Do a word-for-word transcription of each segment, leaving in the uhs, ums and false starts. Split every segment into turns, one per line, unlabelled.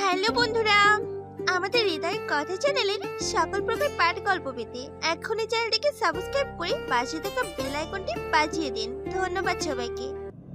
Hello বন্ধুরা, আমাদের হৃদয় কথা চ্যানেলের সকল প্রকার পাঠ গল্প পেতে এখনই চ্যানেলটিকে সাবস্ক্রাইব করে পাশে থাকা বেল আইকনটি বাজিয়ে দিন। ধন্যবাদ সবাইকে।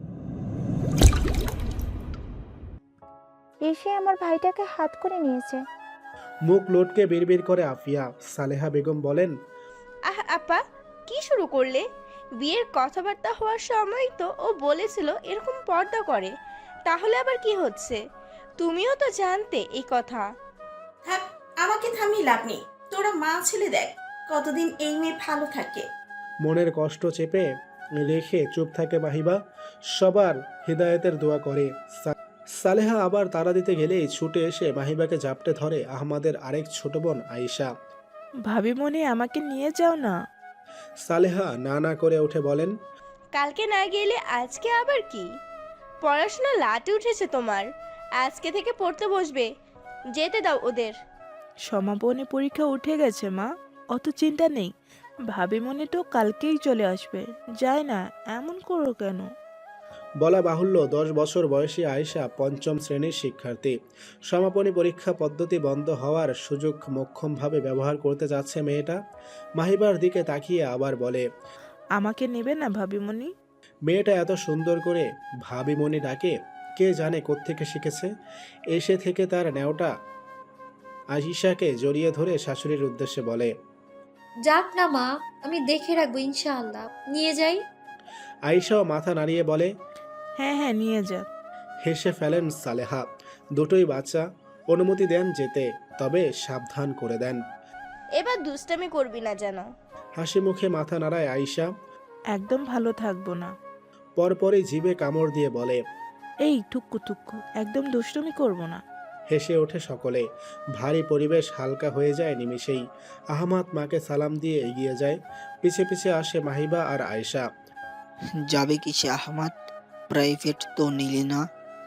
এসে আমার ভাইটাকে হাত করে নিয়েছে।
মুখ লটকে বিড়বিড় করে আফিয়া। সালেহা বেগম বলেন,
আহ আপা, কি শুরু করলে? বিয়ের কথাবার্তা হওয়ার সময় তো ও বলেছিল এরকম পর্দা করে, তাহলে আবার কি হচ্ছে? তুমিও তো জানতে এই কথা।
থাক, আমাকে থামিয়ে লাভ নেই। তোরা মা ছেলে দেখ কতদিন এই মেয়ে ভালো থাকে।
মনের কষ্ট চেপে রেখে চুপ থাকে মাহিবা। সবার হৃদায়তের দোয়া করে। সা- সালেহা আবার তাড়া দিতে গেলেই ছুটে এসে মাহিবাকে জাপটে ধরে আহমাদের আরেক ছোট বোন আয়েশা।
ভাবি মনে আমাকে নিয়ে যাও না।
সালেহা না না করে উঠে বলেন,
কালকে না গেলে আজকে আবার কি? পড়াশোনা লাটে উঠেছে তোমার, আজকে থেকে পড়তে বসবে। যেতে দাও ওদের।
সমাপনী পরীক্ষা উঠে গেছে মা, অত চিন্তা নেই। ভাবি মনে তো কালকেই চলে আসবে। যায় না, এমন করো কেন?
বলা বাহুল্য দশ বছর বয়সী আয়েশা পঞ্চম শ্রেণীর শিক্ষার্থী। সমাপনী পরীক্ষা পদ্ধতি বন্ধ হওয়ার সুযোগ মোক্ষমভাবে ব্যবহার করতে যাচ্ছে মেয়েটা। মাহিবার দিকে তাকিয়ে আবার বলে,
আমাকে নেবে না ভাবিমণি?
মেয়েটা এত সুন্দর করে ভাবিমণি ডাকে, কে জানে কোত্থেকে শিখেছে। এসে থেকে তার নেওটা আয়েশাকে জড়িয়ে ধরে শাশুড়ির উদ্দেশ্যে বলে,
যাক না মা, আমি দেখে রাখবো ইনশাআল্লাহ। নিয়ে যাই।
আয়েশাও মাথা নাড়িয়ে বলে।
হ্যাঁ হ্যাঁ, নিয়ে যা।
হেসে ফেলেন সালেহা। দুটোই বাচ্চা, অনুমতি দেন যেতে, তবে সাবধান করে দেন।
এবার দুষ্টামি করবি না যেন।
হাসি মুখে মাথা নাড়ায় আয়েশা।
একদম ভালো থাকবো না।
পরপরই জিভে কামড় দিয়ে বলে,
এই টুক্কু টুক্কু, একদম দুষ্টুমি করবো না।
হেসে ওঠে সকলে। ভারী পরিবেশ হালকা হয়ে যায় নিমিষেই। আহমাদ মাকে সালাম দিয়ে এগিয়ে যায়। পিছে পিছে আসে মাহিবা আর আয়েশা।
যাবে কিসে আহমাদ? প্রাইভেট তো নিলি না?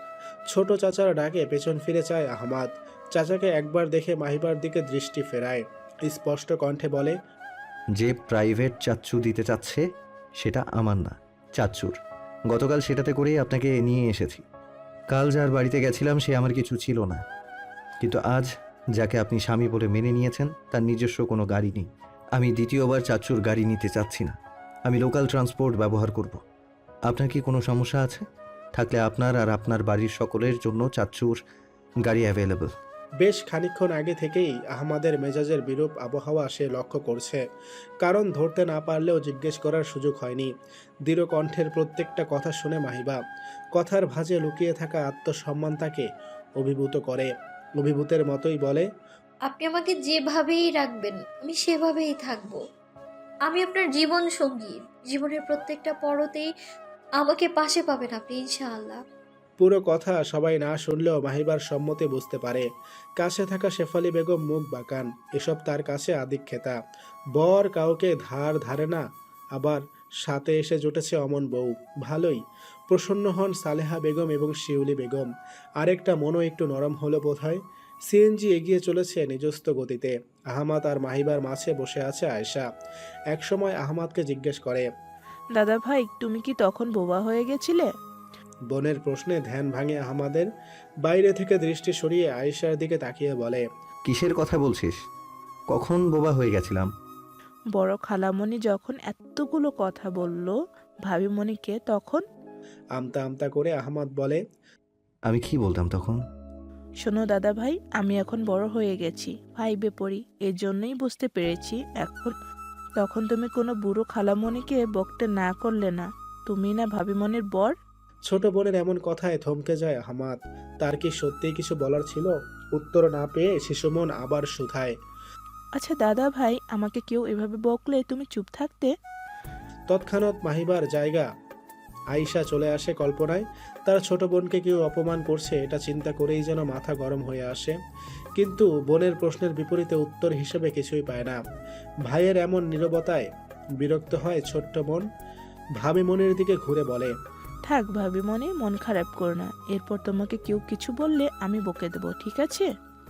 ছোট চাচার ডাকে পেছন ফিরে চায় আহমাদ। চাচাকে একবার দেখে মাহিবার দিকে দৃষ্টি ফেরায়। স্পষ্ট কণ্ঠে বলে,
যে প্রাইভেট চাচ্চু দিতে চাচ্ছে সেটা আমার না, চাচ্চুর। গতকাল সেটাতে করেই আপনাকে নিয়ে এসেছি। কাল যার বাড়িতে গেছিলাম সে আমার কিছু ছিল না, কিন্তু আজ যাকে আপনি স্বামী বলে মেনে নিয়েছেন তার নিজস্ব কোনো গাড়ি নেই। আমি দ্বিতীয়বার চাচ্চুর গাড়ি নিতে চাচ্ছি না, আমি লোকাল ট্রান্সপোর্ট ব্যবহার করব। আপনার কি কোনো সমস্যা আছে? থাকলে আপনার আর আপনার বাড়ির সকলের জন্য চাচ্চুর গাড়ি অ্যাভেলেবল।
বেশ খানিকক্ষণ আগে থেকেই আহমাদের মেজাজের বিরূপ আবহাওয়া সে লক্ষ্য করছে। কারণ ধরতে না পারলেও জিজ্ঞেস করার সুযোগ হয়নি। দৃঢ় কণ্ঠের প্রত্যেকটা কথা শুনে মাহিবা। কথার ভাঁজে লুকিয়ে থাকা আত্মসম্মান তাকে অভিভূত করে। অভিভূতের মতোই বলে,
আপনি আমাকে যেভাবেই রাখবেন আমি সেভাবেই থাকব। আমি আপনার জীবন সঙ্গী। জীবনের প্রত্যেকটা পরতেই আমাকে পাশে পাবেন আপনি ইনশাআল্লাহ।
পুরো কথা সবাই না শুনলেও মাহিবার সম্মতি বুঝতে পারে। কাছে থাকা শেফালি বেগম মুখ বাঁকান। এসব তার কাছে আদিক্ষেতা। বর কাউকে ধার ধারে না, আবার সাথে এসে জুটেছে অমন বউ। ভালোই। প্রসন্ন হন সালেহা বেগম এবং শিউলি বেগম। আরেকটা মনও একটু নরম হলো বোধহয়। সিএনজি এগিয়ে চলেছে নিজস্ব গতিতে। আহমাদ আর মাহিবার মাঝে বসে আছে আয়েশা। একসময় আহমাদকে জিজ্ঞেস করে,
দাদা ভাই, তুমি কি তখন বোবা হয়ে গেছিলে?
বোনের প্রশ্নে ধ্যান ভাঙে আহমাদের। বাইরে থেকে দৃষ্টি সরিয়ে আয়েশার দিকে তাকিয়ে বলে,
কিসের কথা বলছিস? কখন বোবা হয়ে গেছিলাম?
বড় খালামণি যখন এতগুলো কথা বলল ভাবিমণিকে, তখন?
আমতা আমতা করে আহমাদ বলে,
আমি কি বলতাম তখন?
শোনো দাদা ভাই, আমি এখন বড় হয়ে গেছি, ফাইভে পড়ি, এর জন্যই বুঝতে পেরেছি এখন। তখন তুমি কোনো বুড়ো খালামণিকে বকতে না করলে না। তুমি না ভাবিমণির বর।
ছোট বোনের এমন কথায় থমকে যায় আহমাদ। তার কি সত্যিই কিছু বলার ছিল? উত্তর না পেয়ে শিশুমন আবার শুধায়,
আচ্ছা দাদা ভাই, আমাকে কেউ এভাবে বকলে তুমি চুপ থাকতে?
তৎক্ষণাৎ মাহিবার জায়গা আয়েশা চলে আসে কল্পনায়। তার ছোট বোনকে কেউ অপমান করছে এটা চিন্তা করেই যেন মাথা গরম হয়ে আসে। কিন্তু বোনের প্রশ্নের বিপরীতে উত্তর হিসেবে কিছুই পায় না। ভাইয়ের এমন নীরবতায় বিরক্ত হয় ছোট্ট বোন। ভাবি মনের দিকে ঘুরে বলে,
থাক ভাবিমণি, মন খারাপ করো না। এরপর তোমাকে কেউ কিছু বললে আমি বকে দেবো, ঠিক আছে?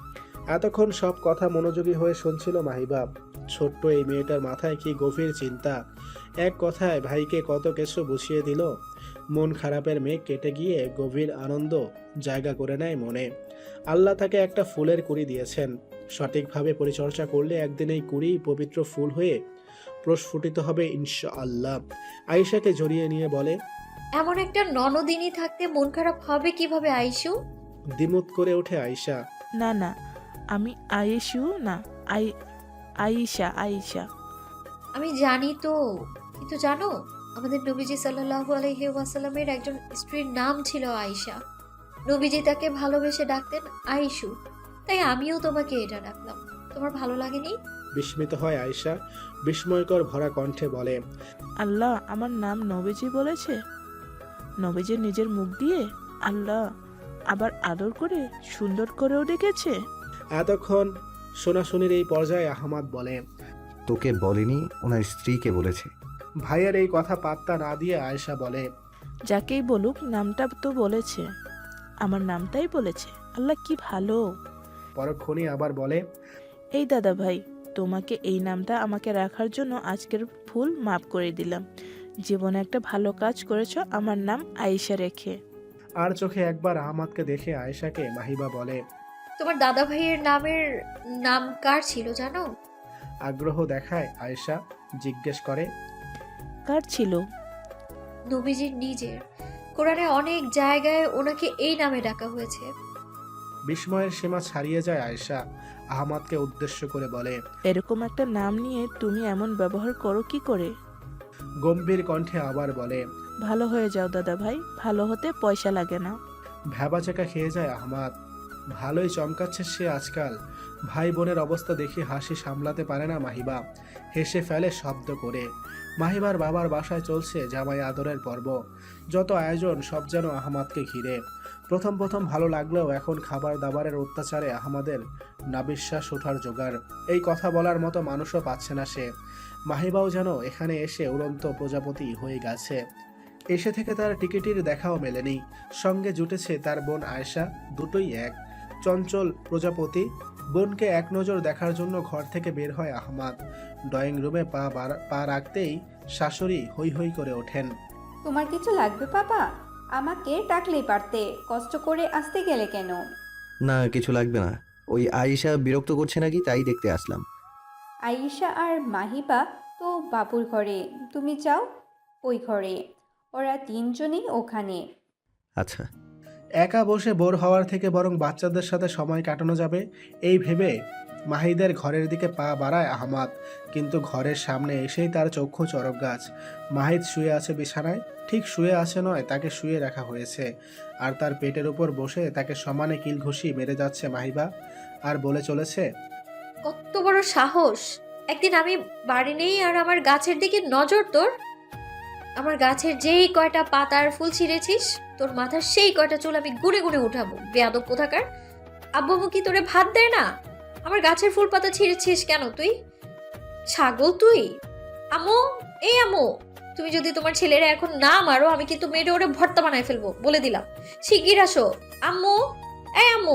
এতক্ষণ সব কথা মনোযোগী হয়ে শুনছিল মাহিবা। ছোট্ট এই মেয়েটার মাথায় কি গভীর চিন্তা। এক কথায় ভাইকে কত কিছু বুঝিয়ে দিল। মন খারাপের মেঘ কেটে গিয়ে গভীর আনন্দ জায়গা করে নেয় মনে। আল্লাহ তাকে একটা ফুলের কুড়ি দিয়েছেন। সঠিকভাবে পরিচর্যা করলে একদিন এই কুড়ি পবিত্র ফুল হয়ে প্রস্ফুটিত হবে ইনশাআল্লাহ। আয়েশাকে জড়িয়ে নিয়ে বলে,
এমন একটা ননদিনী থাকতে মন খারাপ হবে কিভাবে আইসু?
দ্বিমত করে ওঠে আয়েশা।
না না, আমি আয়েশু না, আই আয়েশা আয়েশা।
আমি জানি তো, কিন্তু জানো আমাদের নবীজি সাল্লাল্লাহু আলাইহি ওয়াসাল্লামের একজন স্ত্রীর নাম ছিল আয়েশা। নবীজি তাকে ভালোবেসে ডাকতেন আয়েশু, তাই আমিও তোমাকে এটা ডাকলাম। তোমার ভালো লাগেনি?
বিস্মিত হয় আয়েশা, বিস্ময়কর ভরা কণ্ঠে বলে,
আল্লাহ আমার নাম নবীজি বলেছে? নবীজি নিজের মুখ দিয়ে? আল্লাহ আবার আদর করে সুন্দর করেও ডেকেছে।
এতক্ষণ শোনাশুনির এই পর্যায়ে আহমাদ বলে,
তোকে বলেনি, ওনার স্ত্রীকে বলেছে।
ভাইয়ের এই কথা পাত্তা না দিয়ে আয়েশা বলে,
যাকেই বলুক নামটা তো বলেছে, আমার নামটাই বলেছে। আল্লাহ কি ভালো।
পরক্ষণই আবার বলে,
এই দাদা ভাই, তোমাকে এই নামটা আমাকে রাখার জন্য আজকের ভুল মাফ করে দিলাম। জীবনে একটা ভালো কাজ করেছো আমার নাম আয়েশা রেখে।
আর চোখে একবার আহমাদকে দেখে আয়েশাকে মাহিবা বলে,
তোমার দাদা ভাইয়ের নামের নাম কার ছিল জানো?
আগ্রহ দেখায় আয়েশা জিজ্ঞেস করে,
কার ছিল?
নবীজির নিজের। কোরআনে অনেক জায়গায় ওনাকে এই নামে ডাকা হয়েছে।
বিস্ময়ের সীমা ছাড়িয়ে যায় আয়েশা আহমাদকে উদ্দেশ্য করে বলে,
এরকম একটা নাম নিয়ে তুমি এমন ব্যবহার করো কি করে?
গম্ভীর কণ্ঠে আবার বলে,
ভালো হয়ে যাও দাদা ভাই, ভালো হতে পয়সা লাগে না।
ভ্যাবাচেকা খেয়ে যায় আহমাদ। ভালোই চমকাচ্ছে সে আজকাল। ভাই বোনের অবস্থা দেখে হাসি সামলাতে পারে না মাহিবা, হেসে ফেলে শব্দ করে। মাহিবার বাবার বাসায় চলছে জামাই আদরের পর্ব। যত আয়োজন সব যেন আহমাদকে ঘিরে। প্রথম প্রথম ভালো লাগলেও এখন খাবার দাবারের অত্যাচারে আহমাদের নাবিশ্বাস ওঠার জোগাড়। এই কথা বলার মতো মানুষও পাচ্ছে না সে। মাহিবাও যেন এখানে এসে উড়ন্ত প্রজাপতি হয়ে গেছে। এসে থেকে তার টিকিটির দেখাও মেলেনি। সঙ্গে জুটেছে তার বোন আয়েশা, দুটোই এক। চঞ্চল প্রজাপতি। বোনকে এক নজর দেখার জন্য ঘর থেকে বের হয় আহমাদ। ড্রয়িং রুমে পা বাড়া- পা রাখতেই শাশুড়ি হৈ হৈ করে ওঠেন।
তোমার কিছু লাগবে পাপা? আমাকে ডাকলেই পারতে, কষ্ট করে আসতে গেলে কেন?
না, কিছু লাগবে না। ওই আয়েশা বিরক্ত করছে নাকি তাই দেখতে আসলাম।
আয়েশা আর মাহিবা তো বাবুর ঘরে, তুমি যাও ওই ঘরে, ওরা তিনজনই ওখানে।
আচ্ছা।
একা বসে বোর হওয়ার থেকে বরং বাচ্চাদের সাথে সময় কাটানো যাবে এই ভেবে মাহিদের ঘরের দিকে পা বাড়ায় আহমাদ। কিন্তু ঘরের সামনে এসেই তার চক্ষু চরক গাছ। মাহিদ শুয়ে আছে বিছানায়। ঠিক শুয়ে আছে নয়, তাকে শুয়ে রাখা হয়েছে। আর তার পেটের উপর বসে তাকে সমানে কিল ঘুষি মেরে যাচ্ছে মাহিবা। আর বলে চলেছে,
কত বড় সাহস! একদিন আমি বাড়ি নেই আর আমার গাছের দিকে নজর তোর। আমার গাছের যেই কয়টা পাতার ফুল ছিঁড়েছিস, তোর মাথার সেই কয়টা চুল আমি গুনে গুনে উঠাবো। বেয়াদব কোথাকার! আব্বু আম্মু কি তোরে ভাত দেয় না? আমার গাছের ফুল পাতা ছিঁড়েছিস কেন তুই? ছাগল তুই! আম্মু, এই আম্মু, তুমি যদি তোমার ছেলেরা এখন না মারো আমি কিন্তু মেয়েটা ওরে ভর্তা বানায় ফেলবো, বলে দিলাম। শিগগির আসো আম্মু, এই আম্মু।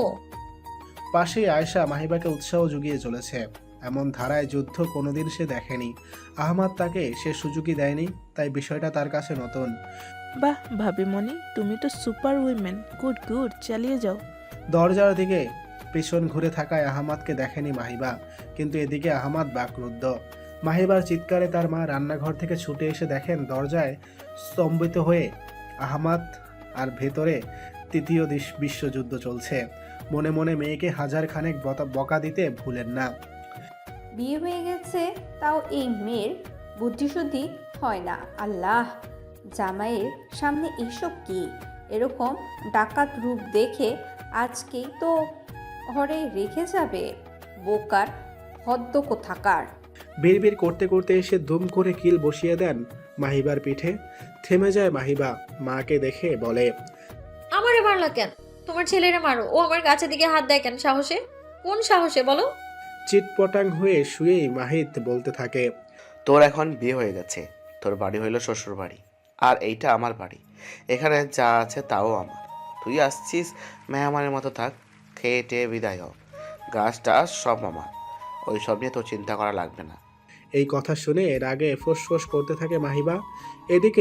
পাশেই আয়েশা মাহিবাকে উৎসাহ জুগিয়ে চলেছে। এমন ধারায় যুদ্ধ কোনোদিন সে দেখেনি। আহমাদ তাকে সে সুযোগই দেয়নি, তাই বিষয়টা তার কাছে নতুন।
বাহ ভাবিমণি, তুমি তো সুপার উইমেন। গুড গুড, চালিয়ে যাও।
দরজার দিকে পিছন ঘুরে থাকায় আহমাদকে দেখেনি মাহিবা, কিন্তু এদিকে আহমাদ বাকরুদ্ধ। মাহিবার চিৎকারে তার মা রান্নাঘর থেকে ছুটে এসে দেখেন দরজায় স্তম্ভিত হয়ে আহমাদ, আর ভেতরে তৃতীয় দিশ- বিশ্বযুদ্ধ চলছে। মনে মনে মেয়েকে হাজার খানেক বতা- বকা দিতে ভুলেন না।
বিয়ে হয়ে গেছে, তাও এই মেয়ের বুদ্ধিশুদ্ধি হয় না। আল্লাহ, জামাইয়ের সামনে এসব কি? এরকম ডাকাত রূপ দেখে আজকেই তো ঘরে রেখে যাবে। বোকার হদ্দ কোথাকার!
বিড়বিড় করতে করতে এসে দুম করে কিল বসিয়ে দেন মাহিবার পিঠে। থেমে যায় মাহিবা, মাকে দেখে বলে,
আমারে মারলা কেন? তোমার ছেলেরে মারো। ও আমার গাছের দিকে হাত দেয় কেন? সাহসে? কোন সাহসে বলো?
চিটপটাং হয়ে শুয়েই মাহিদ বলতে থাকে,
তোর এখন বিয়ে হয়ে গেছে, তোর বাড়ি হইল শ্বশুর বাড়ি, আর এইটা আমার বাড়ি। এখানে যা আছে তাও আমার। তুই আসছিস মেহমানের মতো, থাক, খেয়ে টেয়ে বিদায় হ। গাছটা সব আমার, ওই সব নিয়ে তোর চিন্তা করা লাগবে না।
এই কথা শুনে রাগে ফোঁস করতে থাকে মাহিবা। এদিকে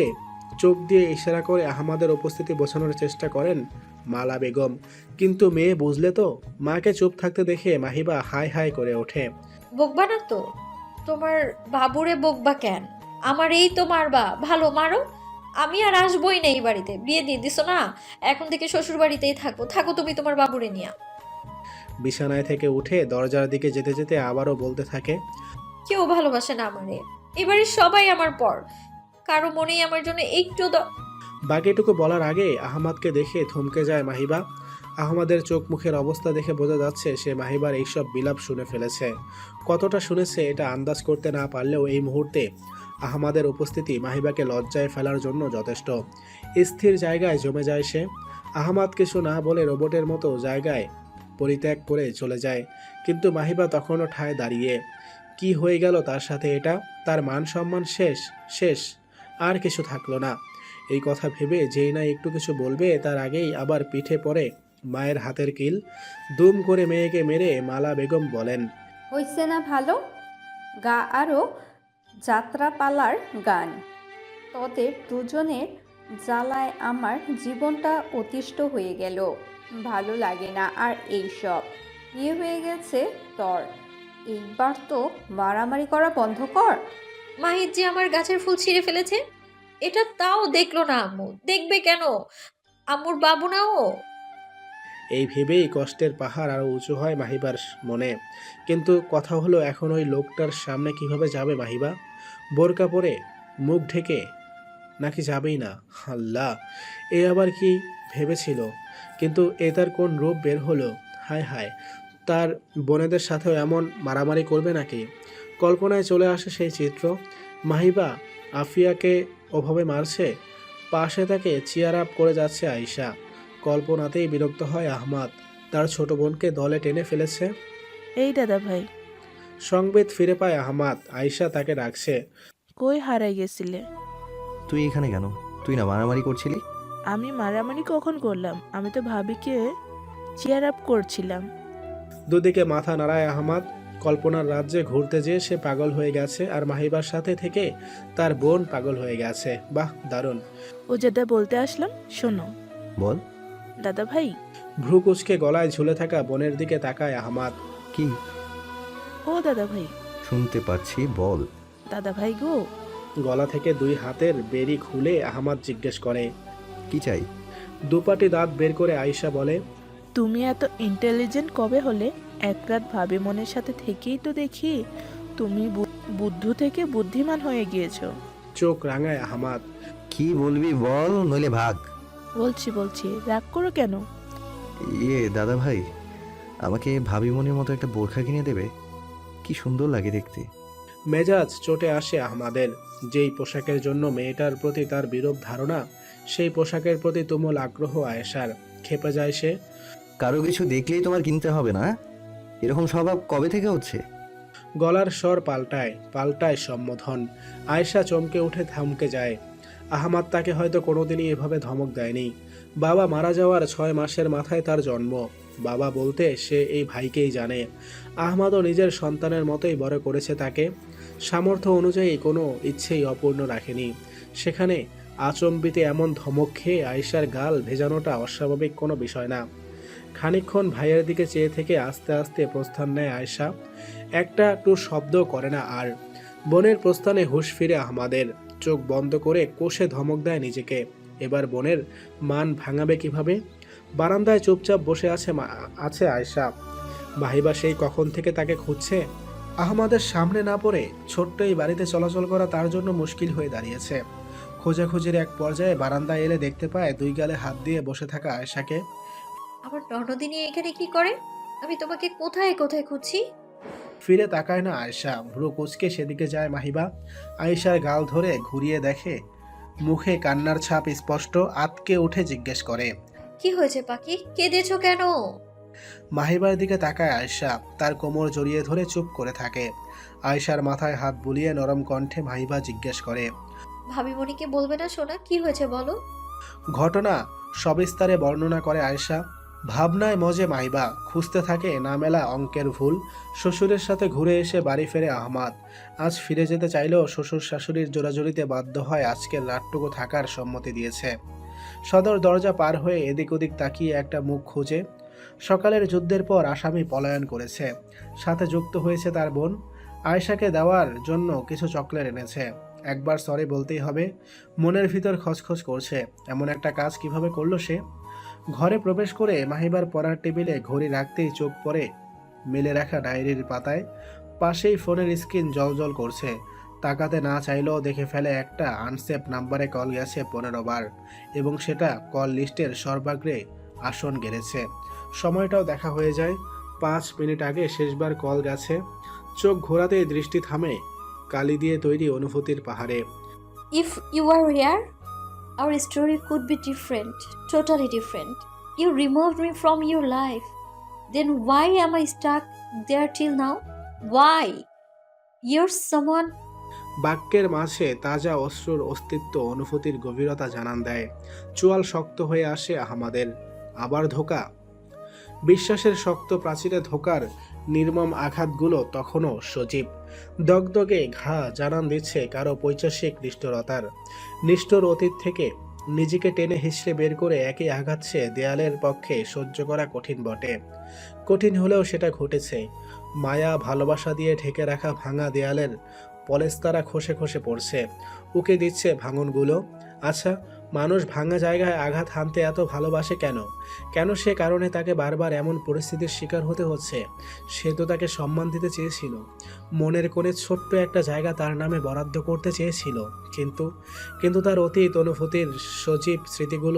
চোখ দিয়ে ইশারা করে আহমাদের উপস্থিতি বোঝানোর চেষ্টা করেন মালা বেগম, কিন্তু মেয়ে বুঝলে তো। মাকে চুপ থাকতে দেখে মাহিবা হাই হাই করে ওঠে।
বকবা না তো, তোমার বাবুরে বকবা কেন? আমার এই তো মারবা, ভালো মারো। আমি আর আসবোই না এই বাড়িতে, বিয়ে দিয়ে দিছো না, এখন থেকে শ্বশুর বাড়িতেই থাকবো, থাকো তুমি তোমার বাবুরে নিয়া।
বিছানায় থেকে উঠে দরজার দিকে যেতে যেতে আবারও বলতে থাকে,
কেউ ভালোবাসে না আমারে, এবারে সবাই আমার পর, কারো মনেই আমার জন্য একটু দ-
বাকিটুকু বলার আগে আহমাদকে দেখে থমকে যায় মাহিবা। আহমাদের চোখ মুখের অবস্থা দেখে বোঝা যাচ্ছে সে মাহিবার এইসব বিলাপ শুনে ফেলেছে। কতটা শুনেছে এটা আন্দাজ করতে না পারলেও এই মুহূর্তে আহমাদের উপস্থিতি মাহিবাকে লজ্জায় ফেলার জন্য যথেষ্ট। স্থির জায়গায় জমে যায় সে। আহমাদ কিছু না বলে রোবটের মতো জায়গায় পরিত্যাগ করে চলে যায়, কিন্তু মাহিবা তখনও ঠায় দাঁড়িয়ে। কি হয়ে গেল তার সাথে এটা? তার মান সম্মান শেষ, শেষ, আর কিছু থাকলো না। এই কথা ভেবে যেই না একটু কিছু বলবে তার আগেই আবার পিঠে পড়ে মায়ের হাতের কিল। দুম করে মেয়েকে মেরে মালা বেগম বলেন,
হইছে না ভালো? গা আরও যাত্রাপালার গান। তোদের দুজনের জ্বালায় আমার জীবনটা অতিষ্ঠ হয়ে গেল। ভালো লাগে না আর এইসব। বিয়ে হয়ে গেছে তোর, এইবার তো মারামারি করা বন্ধ কর।
মাহির যে আমার গাছের ফুল ছিঁড়ে ফেলেছে, এটা তাও দেখলো না আম্মু। দেখবে কেন? আম্মুর বাবু না ও?
এই ভেবেই কষ্টের পাহাড় আরও উঁচু হয় মাহিবার মনে। কিন্তু কথা হলো, এখন ওই লোকটার সামনে কিভাবে যাবে মাহিবা? বোরকা পরে মুখ ঢেকে নাকি যাবেই না? আল্লাহ, এ আবার কি ভেবেছিল? কিন্তু এ তার কোন রূপ বের হলো? হায় হায়, তার বোনেদের সাথেও এমন মারামারি করবে নাকি? কল্পনায় চলে আসে সেই চিত্র। মাহিবা আফিয়াকে ওভাবে মারছে, পাশে তাকে চিয়ার আপ করে যাচ্ছে আয়শা। কল্পনাতেই বিরক্ত হয় আহমাদ, তার ছোট বোনকে দলে টেনে ফেলেছে।
এই দাদা ভাই,
সংবেদ ফিরে পায় আহমাদ, আয়শা তাকে ডাকছে।
কই হারাই গেছিলে?
তুই এখানে কেন? তুই না মারামারি করছিলি?
আমি মারামারি কখন করলাম? আমি তো ভাবিকে চেয়ার আপ করছিলাম।
দুদিকে মাথা নাড়ায় আহমাদ। কল্পনার রাজ্যে ঘুরতে যেয়ে সে পাগল হয়ে গেছে, আর মাহিবার সাথে থেকে তার বোন পাগল হয়ে গেছে। বাহ, দারুণ।
ও যেটা বলতে আসলাম শোনো
বল।
দাদা ভাই।
ভ্রু কুচকে গলায় ঝুলে থাকা বোনের দিকে তাকায় আহমাদ।
কি?
ও দাদা ভাই।
শুনতে পাচ্ছি, বল।
দাদা ভাই গো।
গলা থেকে দুই হাতের বেরি খুলে আহমাদ জিজ্ঞেস করে,
কি চাই?
দুপাটি দাঁত বের করে আয়শা বলে,
তুমি এত ইন্টেলিজেন্ট কবে হলে? এক রাত ভাবি মনের সাথে থেকেই তো দেখি তুমি বু- বুদ্ধু থেকে বুদ্ধিমান হয়ে গিয়েছো।
চোখ রাঙায় আহমাদ।
কি বলবি বল, নইলে ভাগ।
বলছি বলছি রাগ করো কেন?
ইয়ে দাদা ভাই, আমাকে ভাবি মনের মতো একটা বোরখা কিনে দেবে? কি সুন্দর লাগে দেখতে।
মেজাজ চটে আসে আহমাদের। যেই পোশাকের জন্য মেয়েটার প্রতি তার বিরূপ ধারণা, সেই পোশাকের প্রতি তুমুল আগ্রহ আয়েশার। খেপে যায় সে।
কারো কিছু দেখলেই তোমার কিনতে হবে না? এরকম স্বভাব কবে থেকে হচ্ছে?
গলার স্বর পাল্টায়, পাল্টায় সম্বোধন। আয়েশা চমকে উঠে থমকে যায়। আহমাদ তাকে হয়তো কোনোদিনই এভাবে ধমক দেয়নি। বাবা মারা যাওয়ার ছয় মাসের মাথায় তার জন্ম। বাবা বলতে সে এই ভাইকেই জানে। আহমাদও নিজের সন্তানের মতোই বড় করেছে তাকে। সামর্থ্য অনুযায়ী কোনো ইচ্ছেই অপূর্ণ রাখেনি। সেখানে আচম্বিতে এমন ধমক খেয়ে আয়েশার গাল ভেজানোটা অস্বাভাবিক কোনো বিষয় না। খানিকক্ষণ ভাইয়ের দিকে চেয়ে থেকে আস্তে আস্তে প্রস্থান নেয় আয়েশা। একটা টু শব্দ করে না আর। বোনের প্রস্থানে হুঁশ ফিরে আহমাদের। চোখ বন্ধ করে কষে ধমক দেয় নিজেকে। এবার বোনের মান ভাঙাবে কিভাবে? বারান্দায় চুপচাপ বসে আছে আছে আয়েশা। মাহিবা সেই কখন থেকে তাকে খুঁজছে। আহমাদের সামনে না পড়ে ছোট্ট এই বাড়িতে চলাচল করা তার জন্য মুশকিল হয়ে দাঁড়িয়েছে। খোঁজাখুঁজির এক পর্যায়ে বারান্দায় এলে দেখতে পায় দুই গালে হাত দিয়ে বসে থাকা আয়েশাকে।
আমার ননদিনী এখানে কি করে? আমি তোমাকে কোথায় কোথায় খুঁজছি।
ফিরে তাকায় না আয়েশা। ভ্রু কুচকে সেদিকে যায় মাহিবা। আয়েশার গাল ধরে ঘুরিয়ে দেখে, মুখে কান্নার ছাপ স্পষ্ট। আতকে উঠে জিজ্ঞেস করে,
কি হয়েছে পাখি, কেঁদেছো কেন?
মাহিবার দিকে তাকায় আয়েশা। তার কোমর জড়িয়ে ধরে চুপ করে থাকে। আয়েশার মাথায় হাত বুলিয়ে নরম কণ্ঠে মাহিবা জিজ্ঞেস করে,
ভাবিমণিকে বলবে না সোনা, কি হয়েছে বলো।
ঘটনা সবিস্তারে বর্ণনা করে আয়েশা। ভাবনায় মজে মাহিবা, খুঁজতে থাকে না মেলা অঙ্কের ভুল। শ্বশুরের সাথে ঘুরে এসে বাড়ি ফেরে আহমাদ। আজ ফিরে যেতে চাইলেও শ্বশুর শাশুড়ির জোরাজুরিতে বাধ্য হয় আজকের রাতটুকু থাকার সম্মতি দিয়েছে। সদর দরজা পার হয়ে এদিক ওদিক তাকিয়ে একটা মুখ খুঁজে। সকালের যুদ্ধের পর আসামি পলায়ন করেছে, সাথে যুক্ত হয়েছে তার বোন। আয়েশাকে দেওয়ার জন্য কিছু চকলেট এনেছে। একবার সরি বলতেই হবে। মনের ভিতর খচখচ করছে, এমন একটা কাজ কিভাবে করলো সে। ঘরে প্রবেশ করে মাহিবার পড়ার টেবিলে ঘড়ি রাখতেই চোখ পড়ে মেলে রাখা ডায়েরির পাতায়। পাশেই ফোনের স্ক্রিন জলজল করছে। তাকাতে না চাইলেও দেখে ফেলে একটা আনসেভ নাম্বারে কল গেছে পনেরো বার, এবং সেটা কল লিস্টের সর্বাগ্রে আসন গেড়েছে। সময়টাও দেখা হয়ে যায়। পাঁচ মিনিট আগে শেষবার কল গেছে। চোখ ঘোরাতেই দৃষ্টি থামে কালি দিয়ে তৈরি অনুভূতির পাহাড়ে।
If you were here, our story could be different, totally different. You removed me from your life. Then why am I stuck there till now? Why? You're someone.
বাক্যের মাঝে তাজা অশ্রুর অস্তিত্ব অনুভূতির গভীরতা জানান দেয়। চোয়াল শক্ত হয়ে আসে আহমাদের। আবার ধোকা। বিশ্বাসের শক্ত প্রাচীরে ধোকার নির্মম আঘাতগুলো তখনও সজীব। দগদগে ঘা জানান দিচ্ছে কারো পৈশাসিক নিষ্ঠুরতার। নিষ্ঠুর অতীত থেকে নিজেকে টেনে হিসড়ে বের করে একই আঘাত সে দেয়ালের পক্ষে সহ্য করা কঠিন বটে। কঠিন হলেও সেটা ঘটেছে। মায়া ভালোবাসা দিয়ে ঢেকে রাখা ভাঙা দেয়ালের পলেস্তারা খসে খসে পড়ছে, উকে দিচ্ছে ভাঙনগুলো। আচ্ছা, মানুষ ভাঙা জায়গায় আঘাত হানতে এত ভালোবাসে কেন? কেন সে কারণে তাকে বারবার এমন পরিস্থিতির শিকার হতে হচ্ছে? সে তো তাকে সম্মান দিতে চেয়েছিল, মনের কোণে ছোট্ট একটা জায়গা তার নামে বরাদ্দ করতে চেয়েছিল। কিন্তু কিন্তু তার অতীত অনুভূতির সজীব স্মৃতিগুলো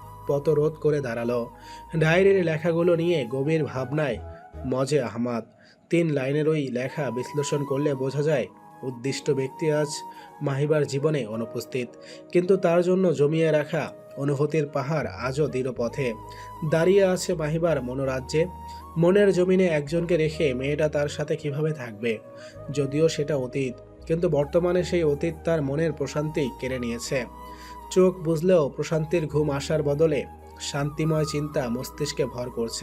পথরোধ করে দাঁড়ালো। ডায়েরির লেখাগুলো নিয়ে গভীর ভাবনায় মজে আহমাদ। তিন লাইনের ওই লেখা বিশ্লেষণ করলে বোঝা যায় উদ্দিষ্ট ব্যক্তি আজ মাহিবার জীবনে অনুপস্থিত, কিন্তু তার জন্য জমিয়ে রাখা অনুভূতির পাহাড় আজও দৃঢ় পথে দাঁড়িয়ে আছে মাহিবার মনোরাজ্যে। মনের জমিনে একজনকে রেখে মেয়েটা তার সাথে কিভাবে থাকবে? যদিও সেটা অতীত, কিন্তু বর্তমানে সেই অতীত তার মনের প্রশান্তি কেড়ে নিয়েছে। চোখ বুঝলেও প্রশান্তির ঘুম আসার বদলে শান্তিময় চিন্তা মস্তিষ্কে ভর করছে।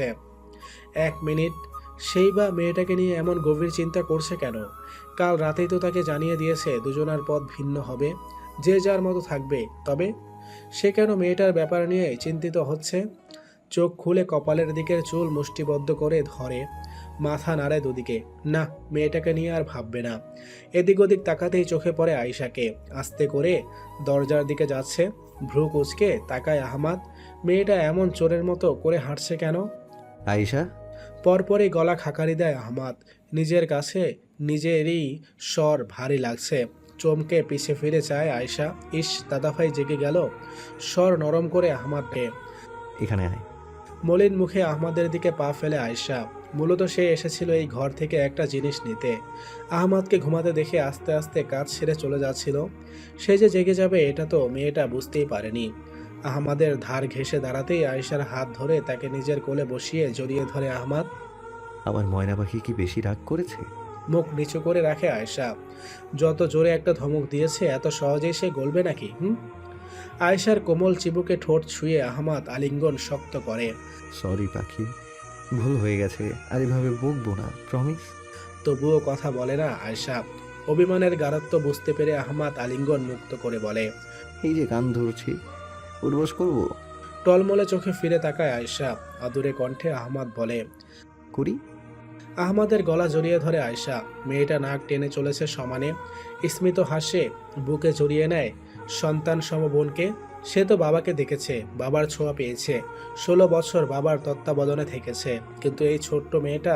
এক মিনিট, সেই বা মেয়েটাকে নিয়ে এমন গভীর চিন্তা করছে কেন? কাল রাতেই তো তাকে জানিয়ে দিয়েছে দুজনার পথ ভিন্ন হবে, যে যার মতো থাকবে। তবে সে কেন মেয়েটার ব্যাপার নিয়ে চিন্তিত হচ্ছে? চোখ খুলে কপালের দিকের চুল মুষ্টিবদ্ধ করে ধরে, মাথা নাড়ে দুদিকে। না, মেয়েটাকে নিয়ে আর ভাববে না। এদিক ওদিক তাকাতেই চোখে পড়ে আয়েশাকে। আস্তে করে দরজার দিকে যাচ্ছে, ভ্রু কুচকে তাকায় আহমাদ। মেয়েটা এমন চোরের মতো করে হাঁটছে কেন?
আয়েশা,
পরপরই গলা খাকারি দেয় আহমাদ। নিজের কাছে নিজেরই স্বর ভারী লাগছে। চমকে পিছে ফিরে চায় আয়েশা। ইস, দাদাভাই জেগে গেল। স্বর নরম করে আহমাদকে।
এখানে আয়।
মলিন মুখে আহমাদের দিকে পা ফেলে আয়েশা। মূলত সে এসেছিল এই ঘর থেকে একটা জিনিস নিতে। আহমাদকে ঘুমাতে দেখে আস্তে আস্তে কাজ সেরে চলে যাচ্ছিল। সে যে জেগে যাবে এটা তো মেয়েটা বুঝতেই পারেনি। আহমাদের ধার ঘেঁষে দাঁড়াতেই আয়েশার হাত ধরে তাকে নিজের কোলে বসিয়ে জড়িয়ে ধরে আহমাদ।
আমার ময়না পাখি কি বেশি রাগ করেছে?
মুখ নিচু করে রাখে আয়েশা। যত জোরে একটা ধমক দিয়েছে এত সহজেই সে গলবে নাকি? হুম আয়েশার কোমল চিবুকে ঠোঁট ছুঁয়ে আহমাদ আলিঙ্গন শক্ত করে।
সরি পাখি, ভুল হয়ে গেছে, আর এভাবে বকবো না, প্রমিস।
তবুও কথা বলে না আয়েশা। অভিমানের গাঢ়ত্ব বুঝতে পেরে আহমাদ আলিঙ্গন মুক্ত করে বলে,
এই যে কান ধরছি, উঠবস করবো?
টলমলে চোখে ফিরে তাকায় আয়েশা। আদুরে কণ্ঠে আহমাদ বলে,
করি।
আহমাদের গলা জড়িয়ে ধরে আয়েশা। মেয়েটা নাক টেনে চলেছে সমানে। স্মিত হাসে, বুকে জড়িয়ে নেয় সন্তান সম বোনকে। সে তো বাবাকে দেখেছে, বাবার ছোঁয়া পেয়েছে, ষোলো বছর বাবার তত্ত্বাবধানে থেকেছে। কিন্তু এই ছোট্ট মেয়েটা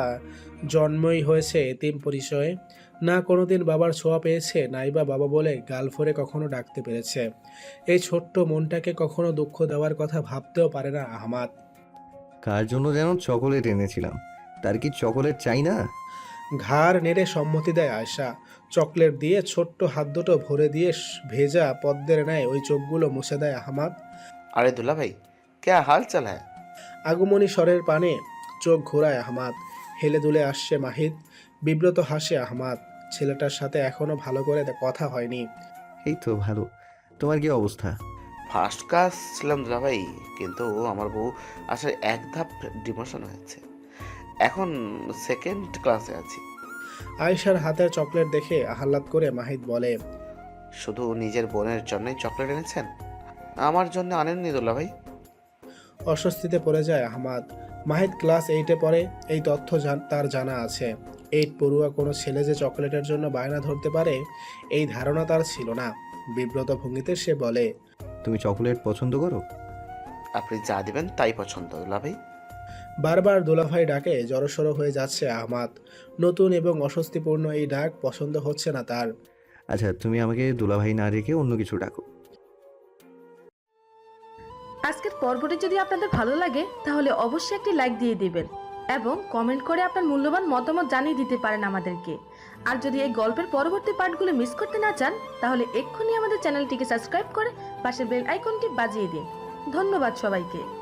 জন্মই হয়েছে এতিম পরিচয়ে। না কোনোদিন বাবার ছোঁয়া পেয়েছে, নাইবা বাবা বলে গাল ফোরে কখনো ডাকতে পেরেছে। এই ছোট্ট মনটাকে কখনো দুঃখ দেওয়ার কথা ভাবতেও পারে না আহমাদ।
কার জন্য যেন চকোলেট এনেছিলাম, তার কি চকোলেট চাই না?
ঘাড় নেড়ে সম্মতি দেয় আয়েশা। চকলেট দিয়ে ছোট্ট হাত দুটো ভরে দিয়ে ভেজা পদ্মের ন্যায় ওই চোখগুলো মুছে দেয় আহমাদ।
अरे दुल्ला भाई, क्या हाल चाल है?
আগমনী স্বরের পানে চোখ ঘোরায় আহমাদ। হেলে দুলে আসছে মাহিদ। বিব্রত হাসে আহমাদ। ছেলেটার সাথে এখনো ভালো করে কথা হয়নি।
এই তো ভালো। তোমার কি অবস্থা?
ফার্স্ট ক্লাস ছিলাম দুলাভাই, কিন্তু আমার বউ আসলে এক ধাপ ডিমোশন হয়েছে, এখন সেকেন্ড ক্লাসে আছি।
আয়েশার হাতের চকলেট দেখে আহ্লাদ করে মাহিদ বলে,
শুধু নিজের বোনের জন্যই চকলেট এনেছেন, আমার জন্য আনেননি দুলাভাই?
অস্বস্তিতে পড়ে যায় আহমাদ। মাহিদ ক্লাস এইটে পড়ে, এই তথ্য জান- তার জানা আছে। এইট পড়ুয়া কোনো ছেলে যে চকলেটের জন্য বায়না ধরতে পারে এই ধারণা তার ছিল না। বিব্রত ভঙ্গিতে সে বলে,
তুমি চকলেট পছন্দ করো?
আপনি যা দিবেন তাই পছন্দ দুলাভাই।
বারবার দুলাভাই ডাকে জড়সড় হয়ে যাচ্ছে আহমাদ। নতুন এবং অস্বস্তিপূর্ণ এই ডাক পছন্দ হচ্ছে না তার।
আচ্ছা, তুমি আমাকে দুলাভাই না রেখে অন্য কিছু ডাকো।
আজকের পর্বটি যদি আপনাদের ভালো লাগে তাহলে অবশ্যই একটি লাইক দিয়ে দিবেন এবং কমেন্ট করে আপনার মূল্যবান মতামত জানিয়ে দিতে পারেন আমাদেরকে। আর যদি এই গল্পের পরবর্তী পার্টগুলো মিস করতে না চান তাহলে এক্ষুনি আমাদের চ্যানেলটিকে সাবস্ক্রাইব করে পাশের বেল আইকনটি বাজিয়ে দিন। ধন্যবাদ সবাইকে।